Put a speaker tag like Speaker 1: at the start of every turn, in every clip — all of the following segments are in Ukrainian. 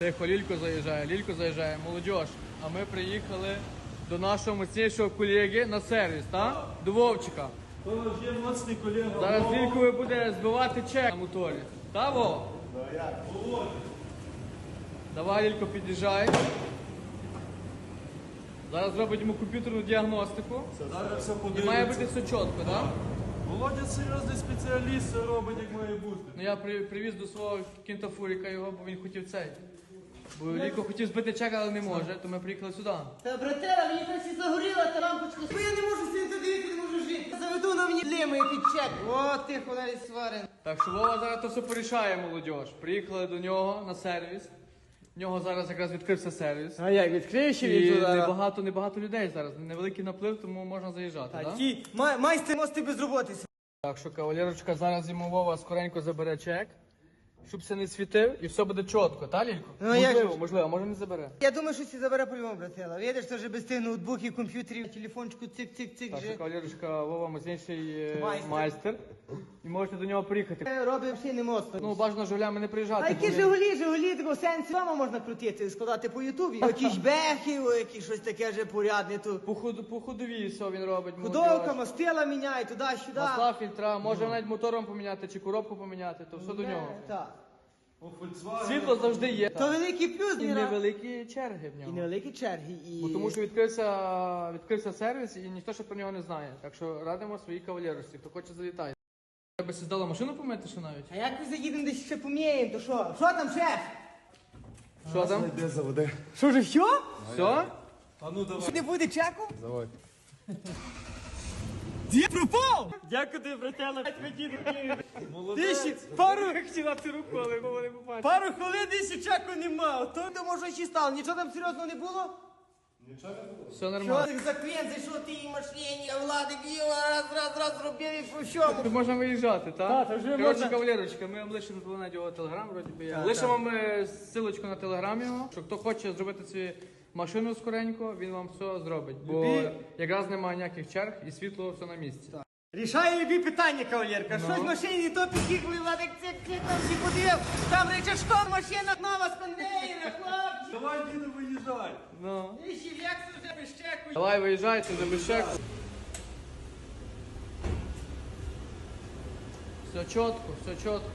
Speaker 1: Тихо, Лілько заїжджає, молодіж. А ми приїхали до нашого мощнішого колеги на сервіс, так? До Вовчика.
Speaker 2: То вже моцний колега.
Speaker 1: Зараз Лількові буде збивати чек на моторі. Та, Вов? Давай, Лілько, під'їжджай. Зараз зробить йому комп'ютерну діагностику.
Speaker 2: Зараз все
Speaker 1: І
Speaker 2: подивиться.
Speaker 1: має бути все чітко, так?
Speaker 2: Володя серйозний спеціаліст, все робить, як має бути.
Speaker 1: Ну я привіз до свого кінтафуріка його, бо він хотів цей. Бо Лілько хотів збити чек, але не може, то ми приїхали сюди.
Speaker 3: Та, братера, мені просто загоріла та лампочка. Бо я не можу сидіти дивити, не можу жити. Заведу на мені лімою під чек. О, тихо, навіть сварен.
Speaker 1: Так що Вова зараз то все порішає, молодіж. Приїхали до нього на сервіс. В нього зараз якраз відкрився сервіс.
Speaker 3: А як, відкриєш
Speaker 1: І небагато людей зараз. Невеликий наплив, тому можна заїжджати, так?
Speaker 3: Ті, майстер мости без роботи.
Speaker 1: Так що кавалерочка зараз йому Вова скоренько забере чек, щоб се не світив і все буде чітко, та, Лілько?
Speaker 3: Ну, як же?
Speaker 1: Можливо, а може не забере.
Speaker 3: Я думаю, що ці забере по-любому, братела. Видиш, що вже без тих ноутбуків, комп'ютерів, телефончику, цик-цик-цик.
Speaker 1: Так що
Speaker 3: же.
Speaker 1: кавалерочка Вова мощніший
Speaker 3: Майстер.
Speaker 1: майстер. І можете до нього приїхати.
Speaker 3: Робимо всі не моцно.
Speaker 1: Ну, бажано жулями не
Speaker 3: А
Speaker 1: приїжджати.
Speaker 3: які
Speaker 1: бо він-
Speaker 3: Жигулі, такого сенсі вдома можна крутити, складати по Ютубі. Якісь бехи, якісь щось таке вже порядне тут.
Speaker 1: По ходовій все він робить.
Speaker 3: Худовка,
Speaker 1: молодіж.
Speaker 3: мастила міняє, туди-сюди.
Speaker 1: Масла, фільтра, може навіть мотором поміняти чи коробку поміняти, то все до нього.
Speaker 3: Так.
Speaker 2: У Volkswagen.
Speaker 1: Світло завжди є.
Speaker 3: То великий плюс,
Speaker 1: І
Speaker 3: Міра.
Speaker 1: невеликі черги в
Speaker 3: І
Speaker 1: нього.
Speaker 3: невеликі черги. І...
Speaker 1: Бо тому що відкрився сервіс і ніхто ще про нього не знає. Так що радимо своїй кавалерості, хто хоче залітати. Треба си здала машину помити ще навіть.
Speaker 3: А як ми заїдемо десь ще поміємо, то що? Що там, шеф?
Speaker 1: Що там?
Speaker 2: Де заведе?
Speaker 3: Що вже все?
Speaker 1: Все?
Speaker 2: А ну давай.
Speaker 3: Що не буде чеку?
Speaker 2: Давай.
Speaker 3: Де пропав? Дякую тобі, братела, ти
Speaker 2: Молодець.
Speaker 3: ще пару
Speaker 1: Хотіла ти руку, але Вова не побачив.
Speaker 3: пару хвилин ще чеку нема. То може ще стало. Нічого там серйозного не було?
Speaker 2: Нічого не було.
Speaker 1: Все
Speaker 3: Що
Speaker 1: нормально.
Speaker 3: ти за клієнт зайшов тій машині, а Владик їв, раз зробив і по всьому.
Speaker 1: Тут можна виїжджати, так?
Speaker 3: Так, та вже
Speaker 1: Коротше,
Speaker 3: можна.
Speaker 1: кавалерочка, ми вам лишимо тут його телеграм, вроді би я. Лишимо вам ссылочку на телеграм його, що хто хоче зробити цю машину скоренько, він вам все зробить. Бо якраз немає ніяких черг і світло все на місці.
Speaker 3: Рішає любі питання, кавалерка.
Speaker 1: Ну.
Speaker 3: Щось в машині, то під'їхали, Владик цик, там всі подивив. Там рече, що машина нова з конвейера, хлопці.
Speaker 2: Давай, діду, виїжджай.
Speaker 1: Ну.
Speaker 3: І ще Лексус вже без чеку.
Speaker 1: Давай виїжджайте за бешек. Все чітко, все чітко.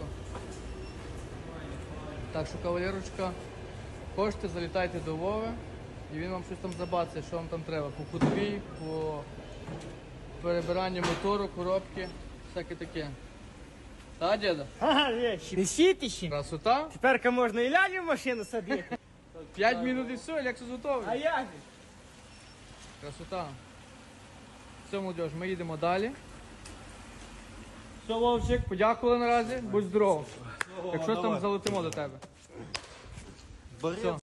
Speaker 1: Так що, кавалерочка, хочете, залітайте до Вови, і він вам щось там забацає, що вам там треба. По ходовій, по перебиранню мотору, коробки, всяке таке. Та, діда?
Speaker 3: Ага, вещи. Несіть ще.
Speaker 1: Красота.
Speaker 3: Тепер можна і лялю в машину садити.
Speaker 1: 5 минут і все, Lexus готовий.
Speaker 3: А як же?
Speaker 1: Красота. Все, молодіж, ми їдемо далі. Все, Вовчик, подякували наразі, будь здоров. Якщо там залетимо до тебе.
Speaker 2: Бери.
Speaker 1: Все.